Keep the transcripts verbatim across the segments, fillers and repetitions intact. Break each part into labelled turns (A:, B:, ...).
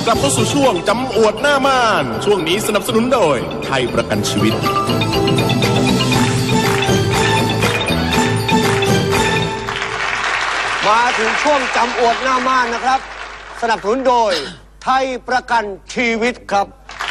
A: กลับเข้าสู่ช่วงจำอวดหน้าม่านช่วงนี้สนับสนุนโดยไทยประกันชีวิต
B: มาถึงช่วงจำอวดหน้าม่านนะครับสนับสนุนโดยไทยประกันชีวิตครับ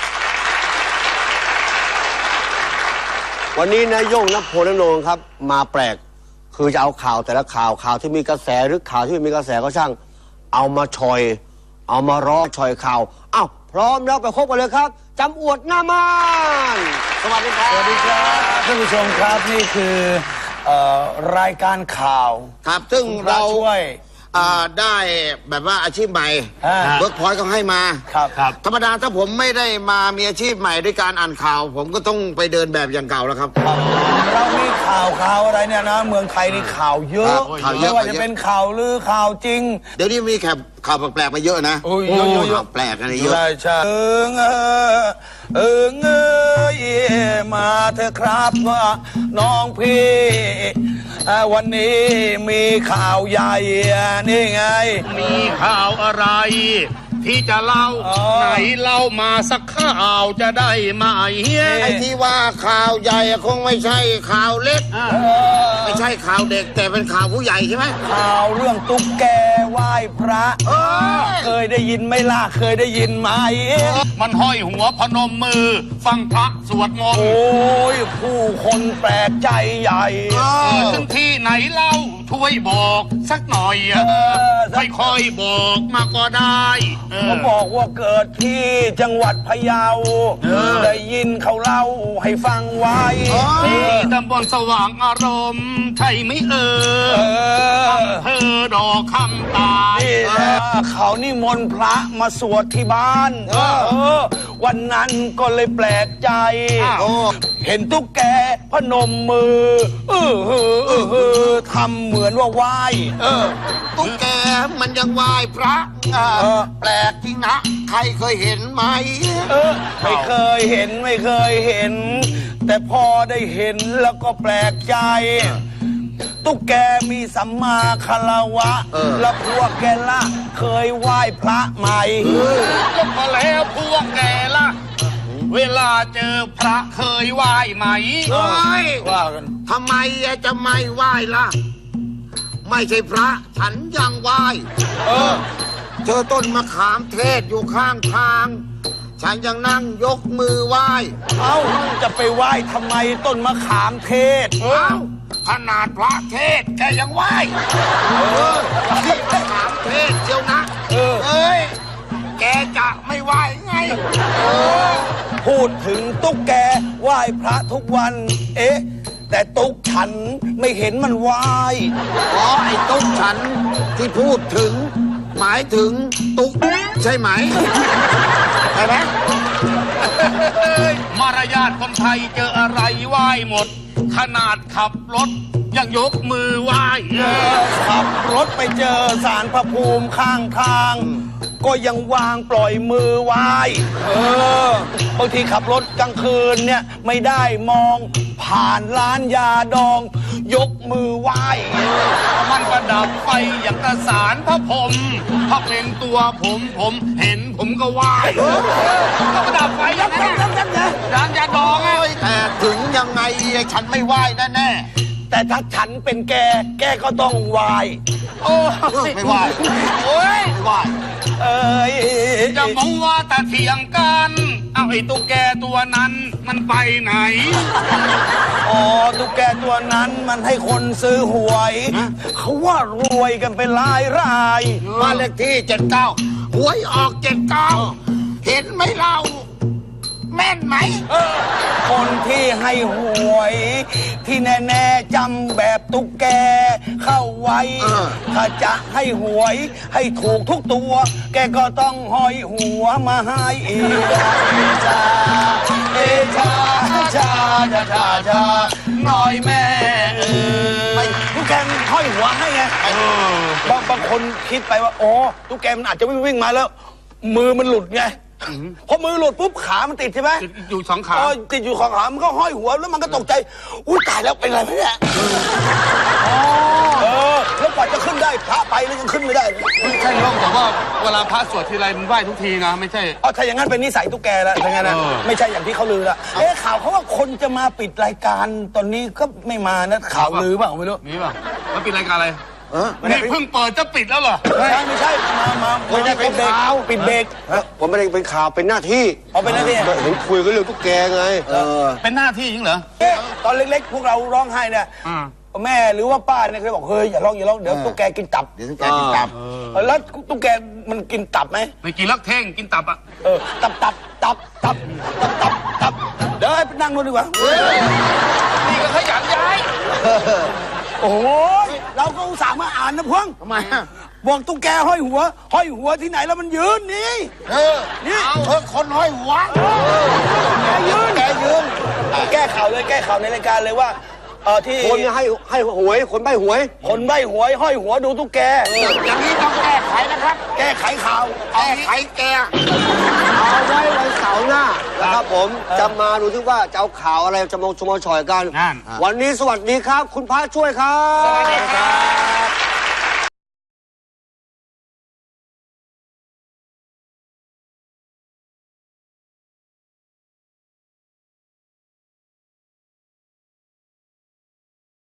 B: วันนี้นายโย่งนภพลนงครับมาแปลกคือจะเอาข่าวแต่ละข่าวข่าวที่มีกระแสหรือข่าวที่ไม่มีกระแสก็ช่างเอามาชอยเอามาร้อชอยข่าวอ้าวพร้อมแล้วไปพบกันเลยครับจำอวดหน้าม่านสวัสดีครับ
C: สวัสดีครับท่านผู้ชมครับนี่คือเอ่อรายการข่าว
D: ครับซึ่ง
C: เรา
D: เรา
C: ช่วย
D: อ่าได้แบบว่าอาชีพใหม่
C: อ่า
D: เวิร์กพอยต์เขาให้มา
C: ครับครับ
D: ธรรมดาถ้าผมไม่ได้มามีอาชีพใหม่ด้วยการอ่านข่าว ผมก็ต้องไปเดินแบบอย่างเก่าแล้วครับ
C: เรามีข่าวข่าวอะไรเนี่ยนะเมืองไทยนี่ข่าวเยอะ
D: ครับข่าวเย
C: ไม่
D: อะ
C: ว่าจะเป็นข่าวลือข่าวจริง
D: เดี๋ยวนี้มีแขกข่าวแปลกๆมาเยอะนะ
C: โอ้ยเยอะเยอะเยอะ
D: ข่าวแปลกอะไรเยอะ
C: ใช่ใช่เออเออเออเงยมาเถอะครับว่าน้องพี่อ่าวันนี้มีข่าวใหญ่นี่ไง
E: มีข่าวอะไร ที่จะเล่า
C: อ๋อ
E: ไหนเล่ามาสักข่าวจะได้ไหม
D: ไอ้ที่ว่าข่าวใหญ่อะคงไม่ใช่ข่าวเล็ก ไม่ใช่ข่าวเด็กแต่เป็นข่าวผู้ใหญ่ใช่ไหม
C: ข่าวเรื่องตุ๊กแกไหว้พระ
D: เออ
C: เคยได้ยินไหมล่ะเคยได้ยินไหม
E: มันห้อยหัวพนมมือ ฟังพระสวดมน
C: โอ
E: ต์
C: ้ยผู้คนแปลกใจใหญ่
D: เออ
E: ถึงที่ไหนเล่าช่วยบอกสักหน่อย
C: เออ
E: ค่อยๆบอกมาก็ได้เออ
C: เขาบอกว่าเกิดที่จังหวัดพะเยาได้ยินเขาเล่าให้ฟังไว้
E: ที่ตำบลสว่างอารมณ์ใช่ไหมเอ
C: เอ
E: อ
C: อ
E: อำเภอดอกคำตาล
C: นี่แหละเขานิมนต์พระมาสวดที่บ้านเออ วันนั้นก็เลยแปลกใจ
D: โอ้
C: เห็นตุ๊กแกพนมมือเออเออเออเออทำเหมือนว่าไหว้เออ
D: ตุ๊กแกมันยังไหว้พระอ่า
C: เออ
D: แปลกจริงนะ ใครเคยเห็นไหม
C: เออไม่เคยเห็นไม่เคยเห็น แต่พอได้เห็นแล้วก็แปลกใจ ตุ๊กแกมีสัมมาคารวะ แล้วพวกแกละเคยไหว้พระไหม
E: ก็พอแล้วพวกแกล่ะ เวลาเจอพระเคยไหว้ไหม
D: เฮ้ย
C: ว่ากัน
D: ทำไมจะไม่ไหว้ล่ะ ไม่ใช่พระฉันยังไหว้
C: เออ
D: เจอต้นมะขามเทศอยู่ข้างทาง ฉันยังนั่งยกมือไหว้
C: เอ้าจะไปไหว้ทำไมต้นมะขามเทศ
D: เอ้าขนาดพระเทศแกยังไหว้เออที่มะขามเทศเจียวนะ
C: เออ
D: เอ้ย แกจะไม่ไหว้ไงเออ
C: พูดถึงตุ๊กแกไหว้พระทุกวัน เอ๊ะ แต่ตุ๊กฉันไม่เห็นมันไหว้
D: อ๋อไอ้ตุ๊กฉันที่พูดถึง หมายถึงตุ๊กใช่ไหมใช่ไหม
E: มารยาทคนไทยเจออะไรไหว้หมด ขนาดขับรถยังยกมือไหว้
C: ขับรถไปเจอสารพระภูมิข้างทาง ก็ยังวางปล่อยมือไหว้ เออบางทีขับรถกลางคืนเนี่ยไม่ได้มองผ่านร้านยาดอง ยกมือไหว้
E: มันประดับไฟอย่างกระสารพระพรหมพระเป็นตัวผมผมเห็นผมก็ไหว้ก็ประดับไฟอย่างนั้นนะร้านยาดองไง
D: โอ้ยแต่ถึงยังไงฉันไม่ไหว้แน่แน่
C: แต่ถ้าฉันเป็นแก แกก็ต้องไหว้
E: โอ้
D: ๆ
E: ย
D: ไม่ไหว้
E: โอ้ย
D: ไม่ไหว้
C: เอ้ย
E: จะมองว่าแต่เถียงกัน เอาไอ้ตุ๊กแกตัวนั้นมันไปไหน
C: อ๋อตุ๊กแกตัวนั้นมันให้คนซื้อหวย เขาว่ารวยกันเป็นรายราย
D: บ้านเลขที่เจ็ดเก้าหวยออกเจ็ดเก้าเห็นไหมเรา แม่นไหม
C: เออคนที่ให้หวย ที่แน่ๆจำแบบตุ๊กแกเข้าไว้
D: เออ
C: ถ้าจะให้หวยให้ถูกทุกตัว แกก็ต้องห้อยหัวมาให้อีกชาเอชาชาชาชาชาหน่อยแม่เออตุ๊กแกมันห้อยหัวให้ไงบางบางคนคิดไปว่าโอ้ตุ๊กแกมันอาจจะวิ่งวิ่งมาแล้ว มือมันหลุดไงพอมือหลุดปุ๊บขามันติดใช่ไหม
E: ติดอยู่สองขา
C: เออติดอยู่ของขามันก็ห้อยหัวแล้วมันก็ตกใจอุ้ยตายแล้วเป็นไรไหมเนี่ยเออแล้วกว่าจะขึ้นได้พระไปแล้วยังขึ้นไม่ได้
E: ไม่ใช่โยมแต่ว่าเวลาพระสวดทีไรมันไหว้ทุกทีนะไม่ใช่
C: เอาถ้าอย่างนั้นเป็นนิสัยตุ๊กแกแล้วถ้าอย่างนั้นนะ
E: เออ
C: ไม่ใช่อย่างที่เขาลือละเอ๊ะข่าวเขาว่าคนจะมาปิดรายการตอนนี้ก็ไม่มานะข่าวลือเปล่าไม่รู้
E: มีป่ะแล้วปิดรายการอะไร
C: ไม่ได้
E: นี่เพิ่งเปิดจะปิดแล้วเหรอ
C: ไม่ใช่ไม่ใช่มามา
B: ไม่ได้เป็นข่าว
C: ปิดเบรก
B: ฮะผมไม่ได้เป็นข่าวเป็นหน้าที่
C: เอาเป็นหน้าที่
B: เห็นคุยกันเรื่องตุ๊กแกไง
D: เออ
E: เป็นหน้าที่จริงเหรอ
C: เอ๊ะตอนเล็กๆ พวกเราร้องไห้เนี่ย
E: อืม
C: แม่หรือว่าป้าเนี่ยเคยบอกเฮ้ยอย่าร้องอย่าร้องเดี๋ยวตุ๊กแกกินตับ
D: เดี๋ยวตุ๊กแกกินตับ
C: แล้วตุ๊กแกมันกินตับไหม
E: ไม่กินลักเท่งกินตับอ่ะ
C: เออตับตับตับตับตับตับตับเดี๋ยวให้ไปนั่งดูดีกว่า
E: นี่ก็ขยันย้าย
C: โอ้ยเราก็อุตส่าห์มาอ่านนะพวง
D: ทำไมอ่ะ
C: บอกตุ๊กแกห้อยหัว ห้อยหัวที่ไหนแล้วมันยืนนี่
D: เออนี่เออคนห้อยหัว
C: แกยืนแกยืนแก้ข่าวเลยแก้ข่าวในรายการเลยว่าเออที่
B: คนให้ให้หวยคนใบหวย
C: คนใบหวยห้อยหัวดูตุ๊กแก
D: อย่างนี้ต้องแก้ไขนะครับ
C: แก้ไขข่าว
D: แก้ไขแก
B: เอาไว้วันเสาร์หน้านะครับผมจะมาดูที่ว่าจะเอาข่าวอะไรจะมาชมมาฉอยกัน
E: นั่น
B: วันนี้สวัสดีครับ คุณพระช่วยครับ
C: สวัสดีครับ